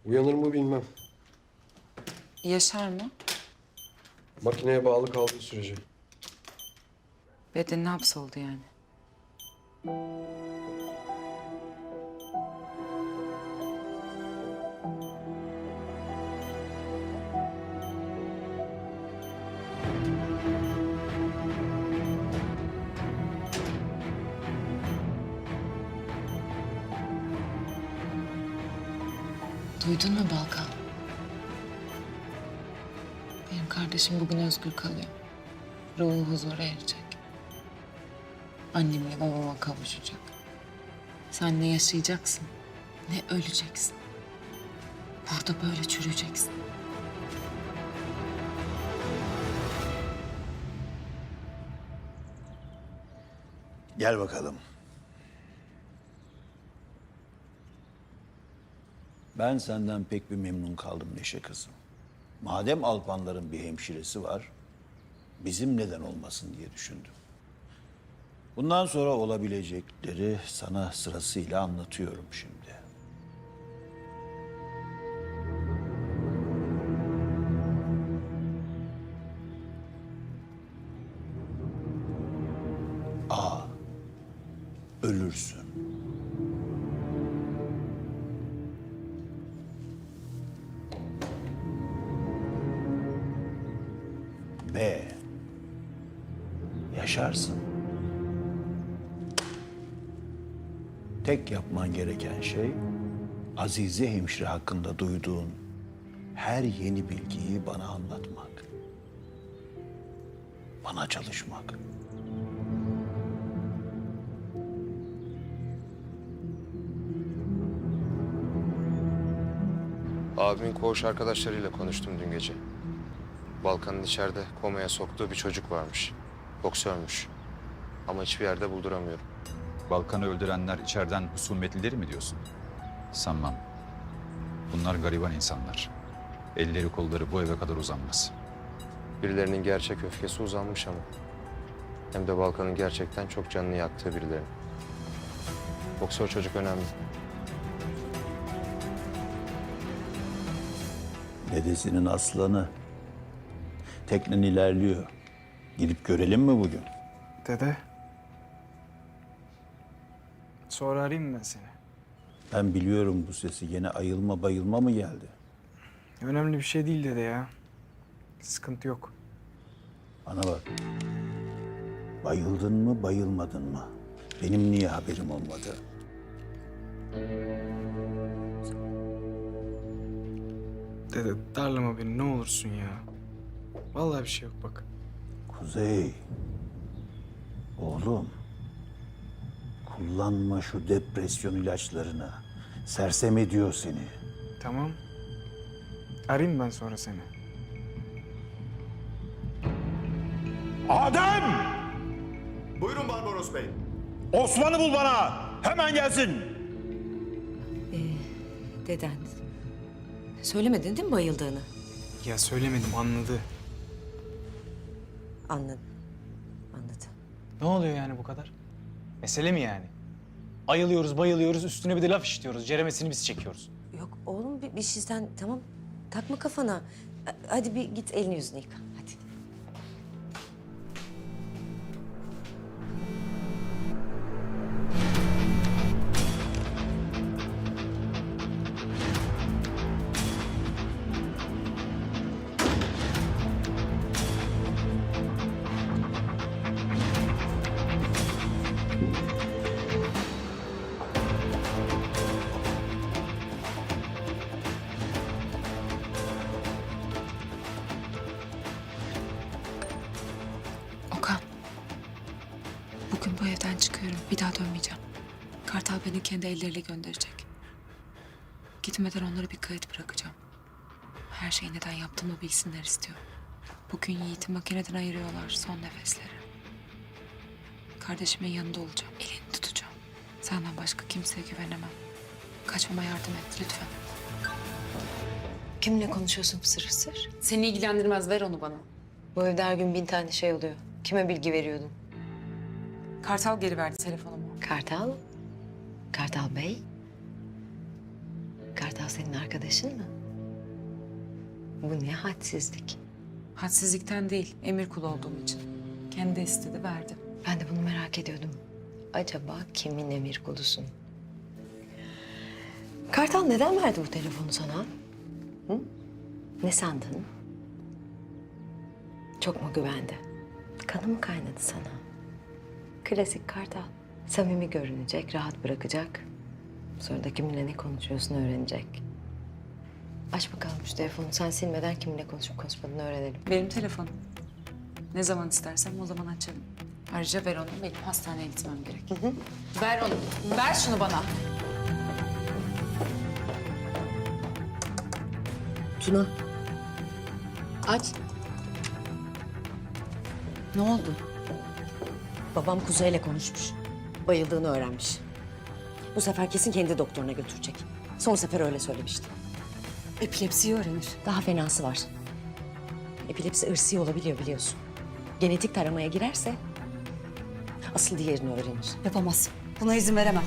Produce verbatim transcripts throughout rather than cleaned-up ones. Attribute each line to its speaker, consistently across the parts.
Speaker 1: Uyanır mı bilmem.
Speaker 2: Yaşar mı?
Speaker 1: Makineye bağlı kaldığı sürece.
Speaker 2: Bedenine hapsoldu yani. Duydun mu Balkan? Benim kardeşim bugün özgür kalıyor. Ruhu huzura erecek. Annemle babama kavuşacak. Sen ne yaşayacaksın, ne öleceksin. Burada böyle çürüyeceksin.
Speaker 3: Gel bakalım. Ben senden pek bir memnun kaldım Neşe kızım. Madem Alpanların bir hemşiresi var, bizim neden olmasın diye düşündüm. Bundan sonra olabilecekleri sana sırasıyla anlatıyorum şimdi. A. Ölürsün. B. Yaşarsın. Tek yapman gereken şey Azize hemşire hakkında duyduğun her yeni bilgiyi bana anlatmak. Bana çalışmak.
Speaker 4: Abimin koğuş arkadaşlarıyla konuştum dün gece. Balkan'ın içeride komaya soktuğu bir çocuk varmış. Boksörmüş. Ama hiçbir yerde bulduramıyorum.
Speaker 5: Balkan'ı öldürenler içeriden husumetlileri mi diyorsun? Sanmam. Bunlar gariban insanlar. Elleri kolları bu eve kadar uzanmaz.
Speaker 4: Birilerinin gerçek öfkesi uzanmış ama. Hem de Balkan'ın gerçekten çok canını yaktığı birilerinin. Boksör çocuk önemli.
Speaker 3: Dedesinin aslanı. Teknen ilerliyor. Gidip görelim mi bugün?
Speaker 6: Dede. Sonra arayayım mı ben seni?
Speaker 3: Ben biliyorum bu sesi. Yine ayılma bayılma mı geldi?
Speaker 6: Önemli bir şey değil dede ya. Sıkıntı yok.
Speaker 3: Bana bak. Bayıldın mı bayılmadın mı? Benim niye haberim olmadı?
Speaker 6: Dede darlama beni ne olursun ya. Vallahi bir şey yok bak.
Speaker 3: Kuzey. Oğlum. Kullanma şu depresyon ilaçlarını. Sersem ediyor seni.
Speaker 6: Tamam. Arayayım ben sonra seni.
Speaker 7: Adem!
Speaker 8: Buyurun Barbaros Bey.
Speaker 7: Osman'ı bul bana. Hemen gelsin.
Speaker 9: Deden. Söylemedin değil mi bayıldığını?
Speaker 6: Ya söylemedim anladı.
Speaker 9: Anladım. Anladım.
Speaker 6: Ne oluyor yani bu kadar? Mesele mi yani? Ayılıyoruz, bayılıyoruz, üstüne bir de laf işitiyoruz. Ceremesini biz çekiyoruz.
Speaker 9: Yok oğlum bir, bir şeyden tamam takma kafana. Ha- Hadi bir git elini yüzünü yıka. Hadi.
Speaker 2: Okan. Bugün bu evden çıkıyorum. Bir daha dönmeyeceğim. Kartal beni kendi elleriyle gönderecek. Gitmeden onlara bir kayıt bırakacağım. Her şeyi neden yaptığımı bilsinler istiyorum. Bugün Yiğit'i makineden ayırıyorlar son nefesleri. Kardeşimin yanında olacağım. Elini tutacağım. Senden başka kimseye güvenemem. Kaçmama yardım et lütfen.
Speaker 9: Kimle konuşuyorsun fısır fısır?
Speaker 2: Seni ilgilendirmez. Ver onu bana.
Speaker 9: Bu evde her gün bin tane şey oluyor. Kime bilgi veriyordun?
Speaker 2: Kartal geri verdi telefonumu.
Speaker 9: Kartal? Kartal Bey? Kartal senin arkadaşın mı? Bu ne hadsizlik.
Speaker 2: Hadsizlikten değil, emir kulu olduğum için. Kendi istedi, verdim.
Speaker 9: Ben de bunu merak ediyordum. Acaba kimin emir kulusun? Kartal neden verdi bu telefonu sana? Hı? Ne sandın? Çok mu güvendi? Kanı mı kaynadı sana? Klasik Kartal. Samimi görünecek, rahat bırakacak. Sonra da kiminle ne konuşuyorsun öğrenecek. Aç bakalım şu telefonu. Sen silmeden kiminle konuşup konuşmadığını öğrenelim.
Speaker 2: Benim telefonum. Ne zaman istersem o zaman açarım. Ayrıca ver onu, benim hastaneye gitmem gerek. Ver onu, ver şunu bana.
Speaker 9: Tuna. Aç.
Speaker 2: Ne oldu?
Speaker 9: Babam Kuzey'le konuşmuş. Bayıldığını öğrenmiş. Bu sefer kesin kendi doktoruna götürecek. Son sefer öyle söylemişti.
Speaker 2: Epilepsiyi öğrenir.
Speaker 9: Daha fenası var. Epilepsi ırsi olabiliyor biliyorsun. Genetik taramaya girerse asıl diğerini öğrenir.
Speaker 2: Yapamaz. Buna izin veremem.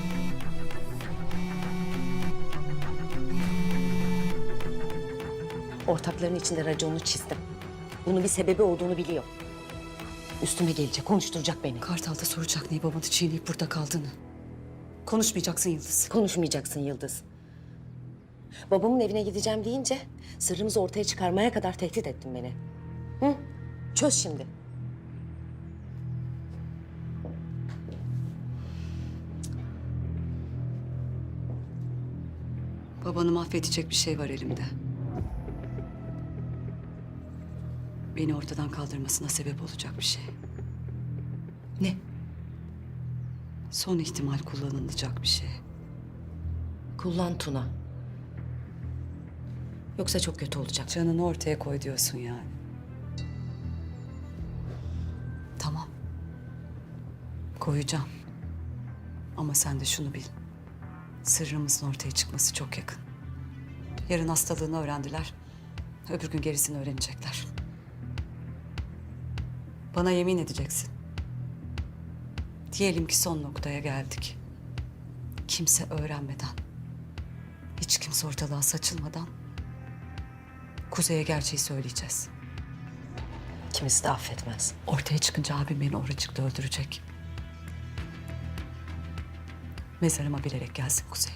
Speaker 9: Ortakların içinde raconunu çizdim. Bunun bir sebebi olduğunu biliyor. Üstüme gelecek, konuşturacak beni.
Speaker 10: Kartal da soracak niye babanı çiğneyip burada kaldığını. Konuşmayacaksın Yıldız.
Speaker 9: Konuşmayacaksın Yıldız. Babamın evine gideceğim deyince sırrımızı ortaya çıkarmaya kadar tehdit ettin beni. Hı? Çöz şimdi.
Speaker 10: Babanı mahvedecek bir şey var elimde. Beni ortadan kaldırmasına sebep olacak bir şey.
Speaker 9: Ne?
Speaker 10: Son ihtimal kullanılacak bir şey.
Speaker 9: Kullan Tuna. Yoksa çok kötü olacak.
Speaker 10: Canını ortaya koy diyorsun yani. Tamam. Koyacağım. Ama sen de şunu bil. Sırrımızın ortaya çıkması çok yakın. Yarın hastalığını öğrendiler. Öbür gün gerisini öğrenecekler. Bana yemin edeceksin. Diyelim ki son noktaya geldik. Kimse öğrenmeden, hiç kimse ortalığa saçılmadan Kuzey'e gerçeği söyleyeceğiz.
Speaker 9: Kimisi de affetmez.
Speaker 10: Ortaya çıkınca abim beni oracıkta öldürecek. Mezarıma bilerek gelsin Kuzey.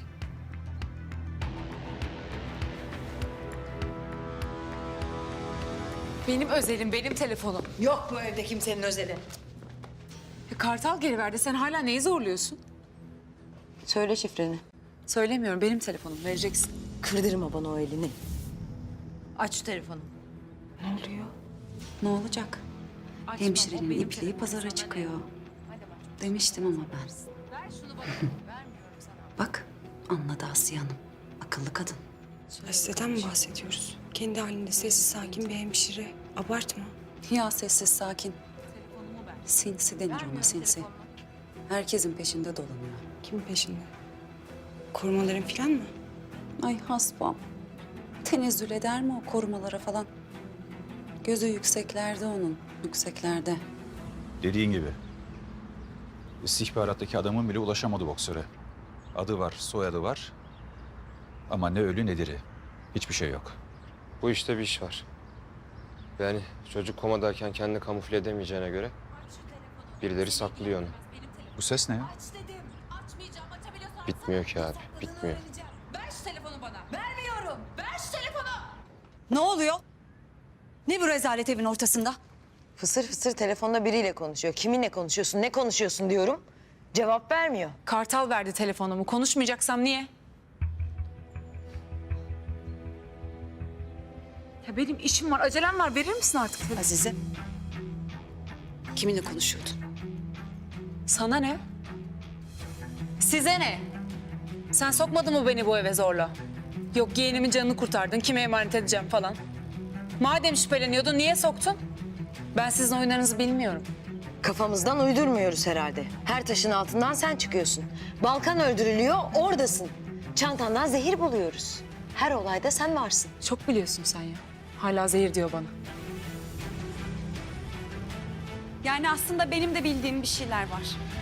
Speaker 2: Benim özelim, benim telefonum.
Speaker 9: Yok bu evde kimsenin özeli.
Speaker 2: Ya Kartal geri verdi. Sen hala neyi zorluyorsun?
Speaker 9: Söyle şifreni.
Speaker 2: Söylemiyorum. Benim telefonum. Vereceksin.
Speaker 9: Kırdırma bana o elini.
Speaker 2: Aç şu telefonu.
Speaker 10: Ne oluyor? Ne olacak?
Speaker 2: Açma, o
Speaker 10: Hemşirenin
Speaker 2: benim
Speaker 10: ipliği
Speaker 2: telefonum,
Speaker 10: pazara
Speaker 2: sana
Speaker 10: çıkıyor.
Speaker 2: ne? Hadi bak.
Speaker 10: Demiştim ama ben.
Speaker 2: Ver şunu bana. Vermiyorum sana.
Speaker 10: Bak anladı Asiye Hanım. Akıllı kadın.
Speaker 11: Hasreten mi bahsediyoruz? Kendi halinde sessiz sakin bir hemşire. Abartma.
Speaker 10: Ya sessiz sakin. Sinsi denir ona sinsi. Herkesin peşinde dolanıyor.
Speaker 11: Kimin peşinde? Korumaların falan mı?
Speaker 10: Ay hasbam. Tenezzül eder mi o korumalara falan? Gözü yükseklerde onun, yükseklerde.
Speaker 5: Dediğin gibi. İstihbarattaki adamın bile ulaşamadı boksöre. Adı var, soyadı var. Ama ne ölü ne diri. Hiçbir şey yok.
Speaker 4: Bu işte bir iş var. Yani çocuk komadayken kendini kamufle edemeyeceğine göre birileri saklıyor onu.
Speaker 5: Bu ses ne ya?
Speaker 4: Bitmiyor ki abi, bitmiyor.
Speaker 2: Ver şu telefonu bana. Vermiyorum. Ver şu telefonu.
Speaker 10: Ne oluyor? Ne bu rezalet evin ortasında?
Speaker 9: Fısır fısır telefonda biriyle konuşuyor. Kiminle konuşuyorsun, ne konuşuyorsun diyorum. Cevap vermiyor.
Speaker 2: Kartal verdi telefonumu. Konuşmayacaksam niye? Ya benim işim var, acelem var. Verir misin artık telefonu?
Speaker 10: Azize. Kiminle konuşuyordun?
Speaker 2: Sana ne? Size ne? Sen sokmadın mı beni bu eve zorla? Yok yeğenimin canını kurtardın, kime emanet edeceğim falan. Madem şüpheleniyordun, niye soktun? Ben sizin oyunlarınızı bilmiyorum.
Speaker 9: Kafamızdan uydurmuyoruz herhalde. Her taşın altından sen çıkıyorsun. Balkan öldürülüyor, oradasın. Çantandan zehir buluyoruz. Her olayda sen varsın.
Speaker 2: Çok biliyorsun sen ya. Hala zehir diyor bana.
Speaker 10: Yani aslında benim de bildiğim bir şeyler var.